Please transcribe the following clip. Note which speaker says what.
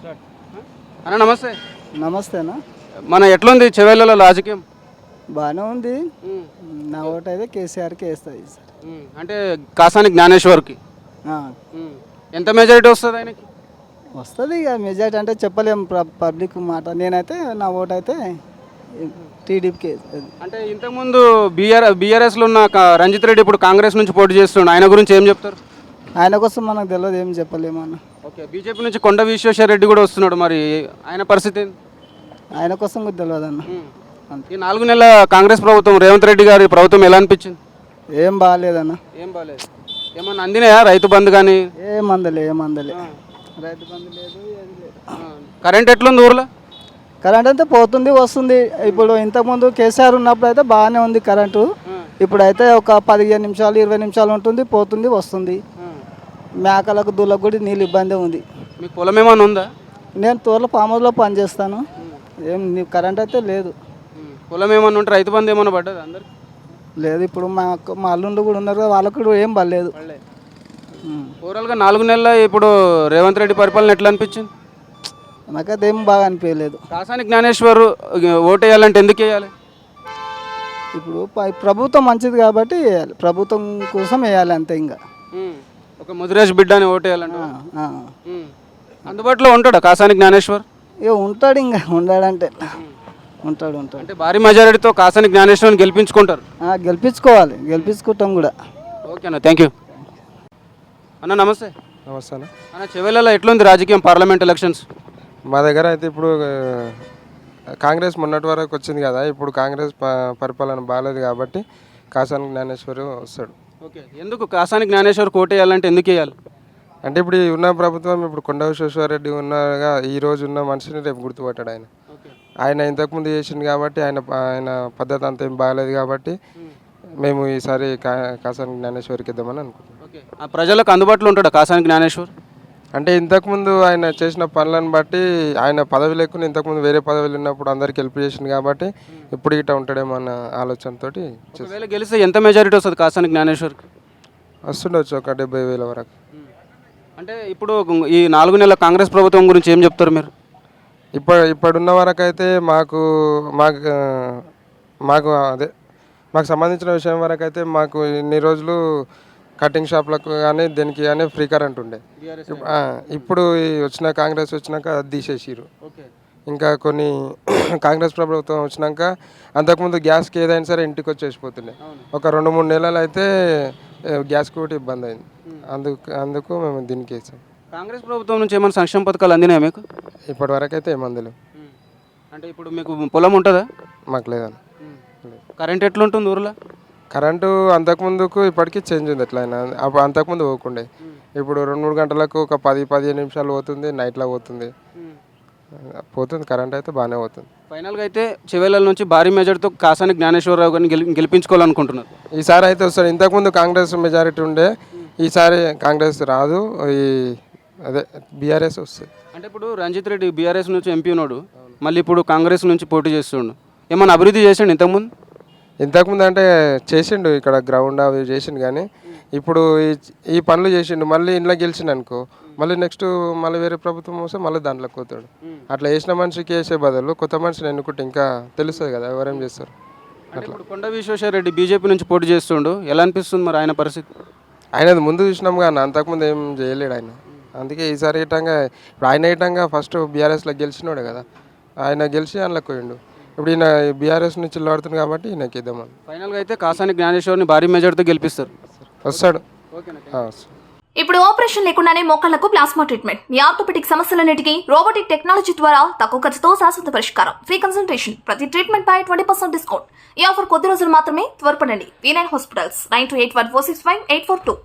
Speaker 1: అన్న నమస్తే.
Speaker 2: నమస్తేనా.
Speaker 1: మన ఎట్లుంది చెవేళ్ళలో రాజకీయం?
Speaker 2: బాగానే ఉంది. నా ఓటు అయితే కేసీఆర్కి వేస్తుంది సార్.
Speaker 1: అంటే కాసాని జ్ఞానేశ్వర్కి ఎంత మెజారిటీ వస్తుంది ఆయనకి?
Speaker 2: వస్తుంది ఇక మెజార్టీ అంటే చెప్పలేం పబ్లిక్ మాట. నేనైతే నా ఓటు అయితే టీడీపీకి వేస్తుంది.
Speaker 1: అంటే ఇంతకుముందు బీఆర్ఎస్లో ఉన్న రంజిత్ రెడ్డి ఇప్పుడు కాంగ్రెస్ నుంచి పోటీ చేస్తుండు, ఆయన గురించి ఏం చెప్తారు?
Speaker 2: ఆయన కోసం మనకు తెలియదు, ఏం చెప్పలేము అన్న.
Speaker 1: ఓకే, బీజేపీ నుంచి కొండ విశ్వేశ్వర రెడ్డి కూడా వస్తున్నాడు, మరి ఆయన పరిస్థితి ఏంది?
Speaker 2: ఆయన కోసం కూడా తెలియదు అన్న.
Speaker 1: ఈ 4 నెలల కాంగ్రెస్ ప్రభుత్వం, రేవంత్ రెడ్డి గారి ప్రభుత్వం ఎలా అనిపించింది?
Speaker 2: ఏం బాగాలేదన్న.
Speaker 1: ఏం బాగాలేదు. ఏమన్నా అందినాయా రైతు బంధు కానీ?
Speaker 2: ఏం అందలే రైతు బంధు లేదు, ఏది లేదు.
Speaker 1: కరెంట్ ఎట్లుంది ఊర్లో?
Speaker 2: కరెంట్ అయితే పోతుంది వస్తుంది. ఇప్పుడు ఇంతకుముందు కేసీఆర్ ఉన్నప్పుడు అయితే బాగానే ఉంది కరెంటు. ఇప్పుడైతే ఒక 15 నిమిషాలు 20 నిమిషాలు ఉంటుంది, పోతుంది వస్తుంది. మేకలకు దూలకు కూడా నీళ్ళు ఇబ్బంది ఉంది.
Speaker 1: మీకు పొలం ఏమైనా ఉందా?
Speaker 2: నేను తోర్ల ఫామ్ హౌస్లో పనిచేస్తాను. ఏం కరెంట్ అయితే లేదు.
Speaker 1: పొలం ఏమన్నా ఉంటే రైతు బంధు ఏమన్నా పడ్డది అందరికి?
Speaker 2: లేదు. ఇప్పుడు మా అల్లుండు కూడా ఉన్నారు కదా, వాళ్ళకు కూడా ఏం పడలేదు.
Speaker 1: ఓవరాల్గా 4 నెలల ఇప్పుడు రేవంత్ రెడ్డి పరిపాలన ఎట్లా అనిపించింది?
Speaker 2: నాకైతే ఏం బాగా అనిపించలేదు.
Speaker 1: కాసాని జ్ఞానేశ్వర్ ఓటు వేయాలంటే ఎందుకు వేయాలి?
Speaker 2: ఇప్పుడు ప్రభుత్వం మంచిది కాబట్టి ప్రభుత్వం కోసం వేయాలి అంతే. ఇంకా
Speaker 1: ఒక ముదిరేష్ బిడ్డ అని ఓటు వేయాలంటే అందుబాటులో ఉంటాడా కాసాని జ్ఞానేశ్వర్?
Speaker 2: ఇక ఉంటాడు, ఇంకా ఉండాడంటే ఉంటాడు.
Speaker 1: అంటే భారీ మెజారిటీతో కాసాని జ్ఞానేశ్వర్ని గెలిపించుకుంటారు?
Speaker 2: గెలిపించుకోవాలి, గెలిపించుకుంటాం కూడా.
Speaker 1: ఓకే అన్న, థ్యాంక్ యూ అన్న. నమస్తే.
Speaker 3: నమస్తే అన్న.
Speaker 1: అన్న చెవేళ్ళలో ఎట్లుంది రాజకీయం, పార్లమెంట్ ఎలక్షన్స్?
Speaker 3: మా దగ్గర అయితే ఇప్పుడు కాంగ్రెస్ మొన్నటి వరకు వచ్చింది కదా, ఇప్పుడు కాంగ్రెస్ పరిపాలన బాగాలేదు కాబట్టి కాసాని జ్ఞానేశ్వర్ వస్తాడు.
Speaker 1: ఓకే, ఎందుకు కాసాని జ్ఞానేశ్వర్ కోట వేయాలంటే ఎందుకు వేయాలి?
Speaker 3: అంటే ఇప్పుడు ఉన్న ప్రభుత్వం, ఇప్పుడు కొండ విశ్వేశ్వరరెడ్డి ఉన్నగా ఈ రోజు ఉన్న మనిషిని రేపు గుర్తుపట్టాడు ఆయన. ఆయన ఇంతకుముందు చేసింది కాబట్టి ఆయన పద్ధతి అంత ఏం బాగాలేదు కాబట్టి మేము ఈసారి కాసాని జ్ఞానేశ్వర్కి ఇద్దామని అనుకుంటున్నాం.
Speaker 1: ఓకే, ఆ ప్రజలకు అందుబాటులో ఉంటాడా కాసాని జ్ఞానేశ్వర్?
Speaker 3: అంటే ఇంతకుముందు ఆయన చేసిన పనులను బట్టి ఆయన పదవి లేకుండా ఇంతకుముందు వేరే పదవులు ఉన్నప్పుడు అందరికి హెల్ప్ చేసింది కాబట్టి ఇప్పుడు ఇట్లా ఉంటాడేమో అన్న ఆలోచనతో
Speaker 1: గెలిస్తే ఎంత మెజారిటీ వస్తుంది కాసాని జ్ఞానేశ్వర్కి?
Speaker 3: వస్తుండొచ్చు ఒక 70,000 వరకు.
Speaker 1: అంటే ఇప్పుడు ఈ 4 నెలల కాంగ్రెస్ ప్రభుత్వం గురించి ఏం చెప్తారు మీరు?
Speaker 3: ఇప్పుడున్న వరకు అయితే మాకు అదే మాకు సంబంధించిన విషయం వరకు అయితే మాకు ఇన్ని రోజులు కటింగ్ షాప్లకు కానీ దేనికి కానీ ఫ్రీ కరెంట్ ఉండే. ఇప్పుడు వచ్చిన కాంగ్రెస్ వచ్చినాక అది తీసేసిరు. ఇంకా కొన్ని కాంగ్రెస్ ప్రభుత్వం వచ్చినాక అంతకుముందు గ్యాస్కి ఏదైనా సరే ఇంటికి వచ్చేసిపోతుండే. ఒక 2-3 నెలలు అయితే గ్యాస్కి కూడా ఇబ్బంది అయింది. అందుకు మేము దీనికి వేసాం.
Speaker 1: కాంగ్రెస్ ప్రభుత్వం నుంచి ఏమైనా సంక్షేమ పథకాలు అందినాయా మీకు?
Speaker 3: ఇప్పటి వరకు అయితే ఏమందులు.
Speaker 1: అంటే ఇప్పుడు మీకు పొలం ఉంటుందా?
Speaker 3: మాకు లేదని.
Speaker 1: కరెంట్ ఎట్లుంటుంది ఊర్లో?
Speaker 3: కరెంటు అంతకుముందుకు ఇప్పటికీ చేంజ్ ఉంది. ఎట్లయినా అంతకుముందు పోకుండే, ఇప్పుడు 2-3 గంటలకు ఒక 10-15 నిమిషాలు పోతుంది, నైట్లో పోతుంది. కరెంట్ అయితే బాగానే పోతుంది.
Speaker 1: ఫైనల్గా అయితే చెవేళ్ళ నుంచి భారీ మెజార్టీతో కాసాని జ్ఞానేశ్వరరావు గారిని గెలిపించుకోవాలనుకుంటున్నారు.
Speaker 3: ఈసారి అయితే వస్తారు. ఇంతకుముందు కాంగ్రెస్ మెజారిటీ ఉండే, ఈసారి కాంగ్రెస్ రాదు, అదే బీఆర్ఎస్ వస్తుంది.
Speaker 1: అంటే ఇప్పుడు రంజిత్ రెడ్డి బీఆర్ఎస్ నుంచి ఎంపీ ఉన్నాడు, మళ్ళీ ఇప్పుడు కాంగ్రెస్ నుంచి పోటీ చేస్తుండు. ఏమన్నా అభివృద్ధి చేసిండు ఇంతకుముందు అంటే చేసిండు, ఇక్కడ గ్రౌండ్ అవి చేసిండు. కానీ ఇప్పుడు ఈ పనులు చేసిండు, మళ్ళీ ఇంట్లో గెలిచిండు అనుకో, మళ్ళీ నెక్స్ట్ మళ్ళీ వేరే ప్రభుత్వం వస్తే మళ్ళీ దాంట్లోకి పోతాడు. అట్లా వేసిన మనిషికి వేసే బదులు కొత్త మనిషిని ఎన్నుకుంటే ఇంకా తెలుస్తుంది కదా ఎవరేం చేస్తారు. అట్లా కొండ విశ్వేశ్వర రెడ్డి బీజేపీ నుంచి పోటీ చేస్తుండు, ఎలా అనిపిస్తుంది మరి ఆయన పరిస్థితి?
Speaker 3: ఆయనది ముందు చూసినాం కానీ అంతకుముందు ఏం చేయలేడు ఆయన. అందుకే ఈసారి ఇటంగా ఇప్పుడు ఆయన ఇటంగా ఫస్ట్ బీఆర్ఎస్లో గెలిచినాడు కదా, ఆయన గెలిచి అందులోకి పోయిండు. ఇప్పుడు ఈయన బీఆర్ఎస్ నుంచి పడుతుంది కాబట్టి ఈయనకి ఇద్దామని.
Speaker 1: ఫైనల్గా అయితే కాసాని జ్ఞానేశ్వర్ని భారీ మెజార్టీతో గెలిపిస్తారు.
Speaker 3: వస్తాడు.
Speaker 4: ఇప్పుడు ఆపరేషన్ లేకుండానే మోకాళ్లకు ప్లాస్మా ట్రీట్మెంట్. మీ ఆర్థోపెటిక్ సమస్యలన్నిటికీ రోబోటిక్ టెక్నాలజీ ద్వారా తక్కువ ఖర్చుతో శాశ్వత పరిష్కారం. ఫ్రీ కన్సల్టేషన్, ప్రతి ట్రీట్మెంట్ పై 20% డిస్కౌంట్. ఈ ఆఫర్ కొద్ది రోజులు మాత్రమే. త్వరపడండి. V9 hospitals 9281465842.